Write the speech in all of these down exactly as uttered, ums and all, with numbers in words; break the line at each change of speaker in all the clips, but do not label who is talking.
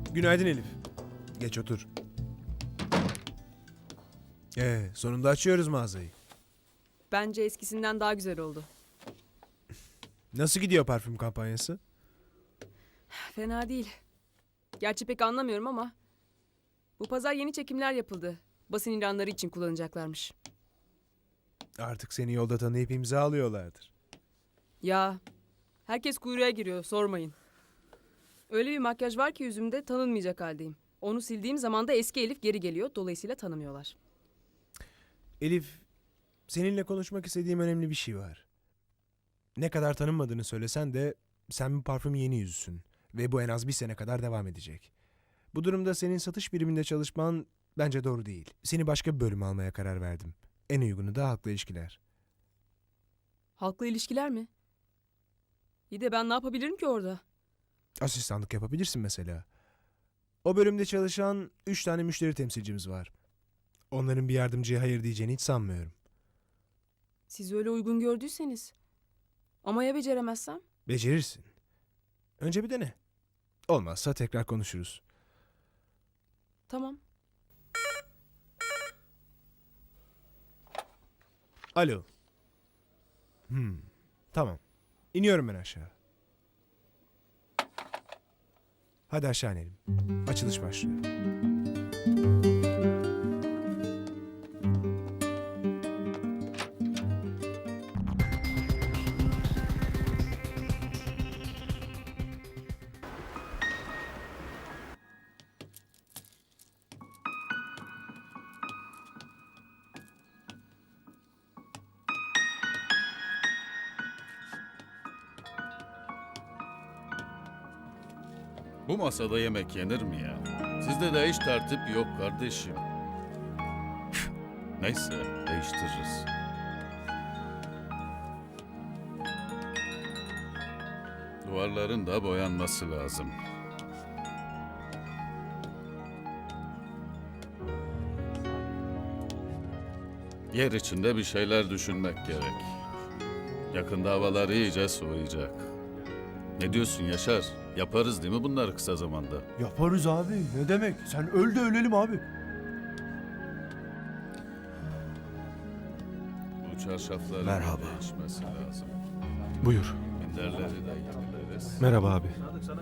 Günaydın Elif. Geç otur. Ee, sonunda açıyoruz mağazayı.
Bence eskisinden daha güzel oldu.
Nasıl gidiyor parfüm kampanyası?
Fena değil. Gerçi pek anlamıyorum ama bu pazar yeni çekimler yapıldı. Basın ilanları için kullanacaklarmış.
Artık seni yolda tanıyıp imza alıyorlardır.
Ya herkes kuyruğa giriyor, sormayın. Öyle bir makyaj var ki yüzümde, tanınmayacak haldeyim. Onu sildiğim zaman da eski Elif geri geliyor. Dolayısıyla tanımıyorlar.
Elif, seninle konuşmak istediğim önemli bir şey var. Ne kadar tanınmadığını söylesen de sen bu parfümün yeni yüzüsün. Ve bu en az bir sene kadar devam edecek. Bu durumda senin satış biriminde çalışman bence doğru değil. Seni başka bir bölüm almaya karar verdim. En uygunu da halkla ilişkiler.
Halkla ilişkiler mi? İyi de ben ne yapabilirim ki orada?
Asistanlık yapabilirsin mesela. O bölümde çalışan üç tane müşteri temsilcimiz var. Onların bir yardımcıya hayır diyeceğini hiç sanmıyorum.
Siz öyle uygun gördüyseniz. Ama ya beceremezsem?
Becerirsin. Önce bir dene. Olmazsa tekrar konuşuruz.
Tamam.
Alo. Hmm, tamam. İniyorum ben aşağı. Hadi aşağı inelim. Açılış başlıyor.
Bu masada yemek yenir mi ya? Sizde de hiç tertip yok kardeşim. Neyse, değiştiririz. Duvarların da boyanması lazım. Yer içinde bir şeyler düşünmek gerek. Yakında havalar iyice soğuyacak. Ne diyorsun Yaşar? Yaparız değil mi bunları kısa zamanda?
Yaparız abi. Ne demek? Sen öl de ölelim abi.
Bu çarşafların
Merhaba.
değişmesi lazım.
Buyur.
Minderleri de yenileriz.
Merhaba abi.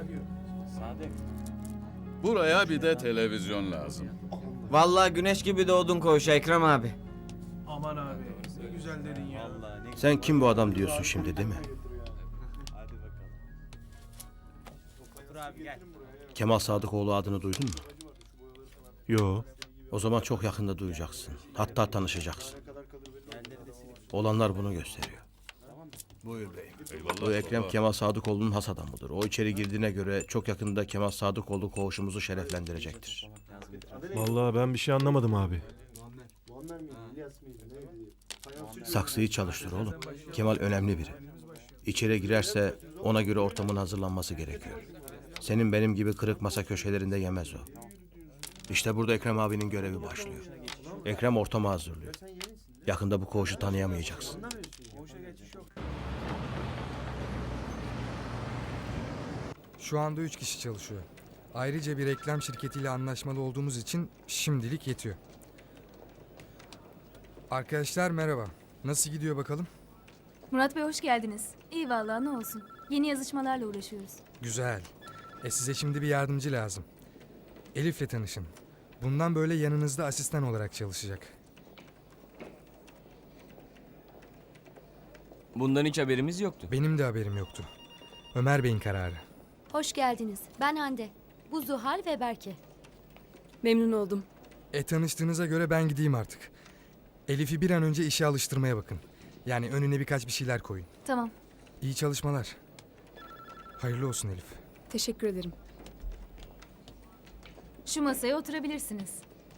Buraya bir de televizyon lazım.
Vallahi güneş gibi doğdun koğuşa Ekrem abi.
Aman abi. Ne güzel dedin ya.
Sen kim bu adam diyorsun şimdi değil mi? Kemal Sadıkoğlu adını duydun mu?
Yo.
O zaman çok yakında duyacaksın. Hatta tanışacaksın. Olanlar bunu gösteriyor.
Buyur beyim.
Eyvallah
Bu Ekrem
baba.
Kemal Sadıkoğlu'nun has adamıdır. O içeri girdiğine göre çok yakında Kemal Sadıkoğlu koğuşumuzu şereflendirecektir.
Vallahi ben bir şey anlamadım abi.
Saksıyı çalıştır oğlum. Kemal önemli biri. İçeri girerse ona göre ortamın hazırlanması gerekiyor. Senin benim gibi kırık masa köşelerinde yemez o. İşte burada Ekrem abinin görevi başlıyor. Ekrem ortamı hazırlıyor. Yakında bu koğuşu tanıyamayacaksın.
Şu anda üç kişi çalışıyor. Ayrıca bir reklam şirketiyle anlaşmalı olduğumuz için şimdilik yetiyor. Arkadaşlar merhaba. Nasıl gidiyor bakalım?
Murat Bey hoş geldiniz. İyi vallahi ne olsun. Yeni yazışmalarla uğraşıyoruz.
Güzel. E size şimdi bir yardımcı lazım. Elif'le tanışın. Bundan böyle yanınızda asistan olarak çalışacak.
Bundan hiç haberimiz yoktu.
Benim de haberim yoktu. Ömer Bey'in kararı.
Hoş geldiniz. Ben Hande. Bu Zuhal ve Berke.
Memnun oldum.
E tanıştığınıza göre ben gideyim artık. Elif'i bir an önce işe alıştırmaya bakın. Yani önüne birkaç bir şeyler koyun.
Tamam.
İyi çalışmalar. Hayırlı olsun Elif.
Teşekkür ederim.
Şu masaya oturabilirsiniz.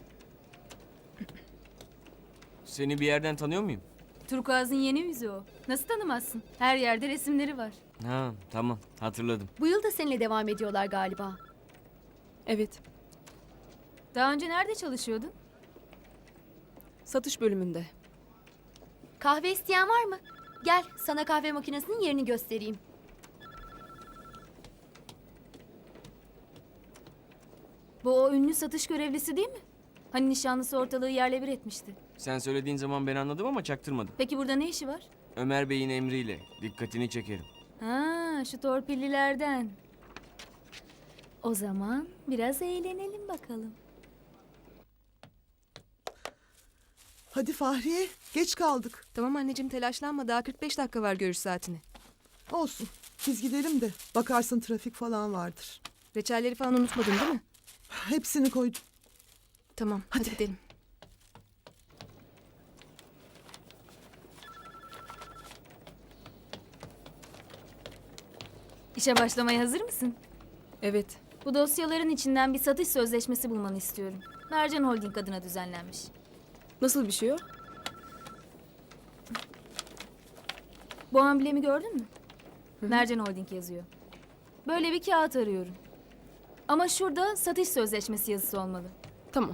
Seni bir yerden tanıyor muyum?
Turkuaz'ın yeni yüzü o. Nasıl tanımazsın? Her yerde resimleri var.
Ha tamam hatırladım.
Bu yıl da seninle devam ediyorlar galiba.
Evet.
Daha önce nerede çalışıyordun?
Satış bölümünde.
Kahve isteyen var mı? Gel sana kahve makinesinin yerini göstereyim. Bu o ünlü satış görevlisi değil mi? Hani nişanlısı ortalığı yerle bir etmişti.
Sen söylediğin zaman ben anladım ama çaktırmadım.
Peki burada ne işi var?
Ömer Bey'in emriyle. Dikkatini çekerim.
Ha, şu torpillilerden. O zaman biraz eğlenelim bakalım.
Hadi Fahriye, geç kaldık.
Tamam anneciğim telaşlanma. Daha kırk beş dakika var görüş saatine.
Olsun, biz gidelim de bakarsın trafik falan vardır.
Reçelleri falan unutmadın değil mi?
Hepsini koydum.
Tamam hadi,
Hadi.
gidelim.
İşe başlamaya hazır mısın?
Evet.
Bu dosyaların içinden bir satış sözleşmesi bulmanı istiyorum. Mercan Holding adına düzenlenmiş.
Nasıl bir şey o?
Bu amblemi gördün mü? Mercan Holding yazıyor. Böyle bir kağıt arıyorum. Ama şurada satış sözleşmesi yazısı olmalı.
Tamam.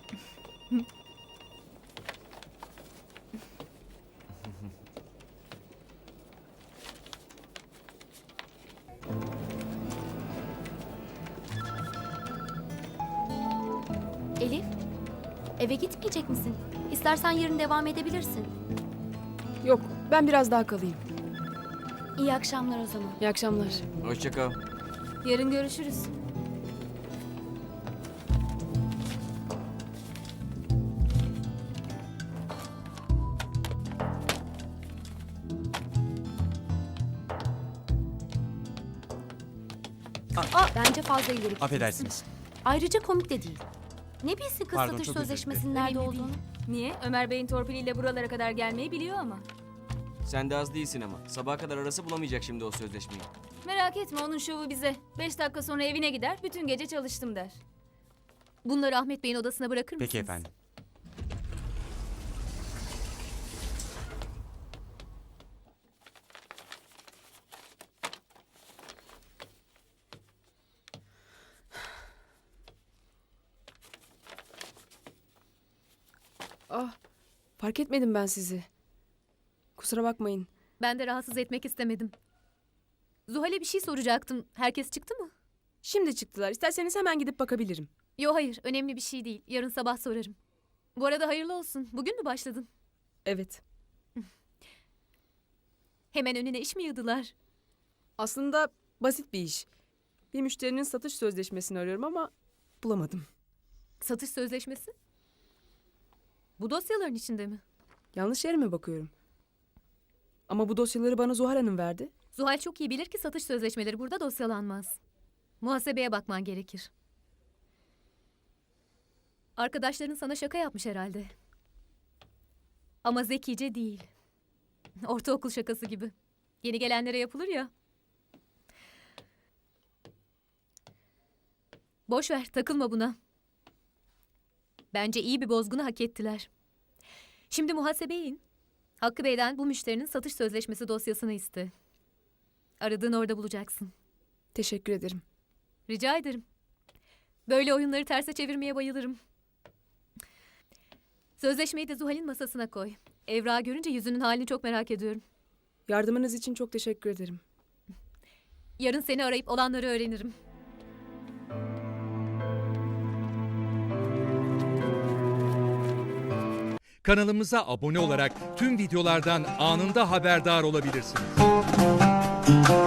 Elif, eve gitmeyecek misin? İstersen yarın devam edebilirsin.
Yok ben biraz daha kalayım.
İyi akşamlar o zaman.
İyi akşamlar.
Hoşça kal.
Yarın görüşürüz.
Bence fazla ileri gidiyorsun.
Affedersiniz.
Ayrıca komik de değil. Ne bilsin kız
Pardon,
satış
çok özür
sözleşmesinin
dilerim.
nerede
Önemli
olduğunu?
Niye? Ömer Bey'in torpiliyle buralara kadar gelmeyi biliyor ama.
Sen de az değilsin ama. Sabaha kadar arası bulamayacak şimdi o sözleşmeyi.
Merak etme onun şovu bize. Beş dakika sonra evine gider, bütün gece çalıştım der.
Bunları Ahmet Bey'in odasına bırakır mısınız?
Peki efendim.
Ah fark etmedim ben sizi. Kusura bakmayın.
Ben de rahatsız etmek istemedim. Zuhal'e bir şey soracaktım. Herkes çıktı mı?
Şimdi çıktılar. İsterseniz hemen gidip bakabilirim.
Yo hayır, önemli bir şey değil. Yarın sabah sorarım. Bu arada hayırlı olsun. Bugün mü başladın?
Evet.
Hemen önüne iş mi yığdılar?
Aslında basit bir iş. Bir müşterinin satış sözleşmesini arıyorum ama bulamadım.
Satış sözleşmesi? Bu dosyaların içinde mi?
Yanlış yere mi bakıyorum? Ama bu dosyaları bana Zuhal Hanım verdi.
Zuhal çok iyi bilir ki satış sözleşmeleri burada dosyalanmaz. Muhasebeye bakman gerekir. Arkadaşların sana şaka yapmış herhalde. Ama zekice değil. Ortaokul şakası gibi. Yeni gelenlere yapılır ya. Boş ver, takılma buna. Bence iyi bir bozgunu hak ettiler. Şimdi muhasebeye in. Hakkı Bey'den bu müşterinin satış sözleşmesi dosyasını iste. Aradığını orada bulacaksın.
Teşekkür ederim.
Rica ederim. Böyle oyunları terse çevirmeye bayılırım. Sözleşmeyi de Zuhal'in masasına koy. Evrağı görünce yüzünün halini çok merak ediyorum.
Yardımınız için çok teşekkür ederim.
Yarın seni arayıp olanları öğrenirim.
Kanalımıza abone olarak tüm videolardan anında haberdar olabilirsiniz.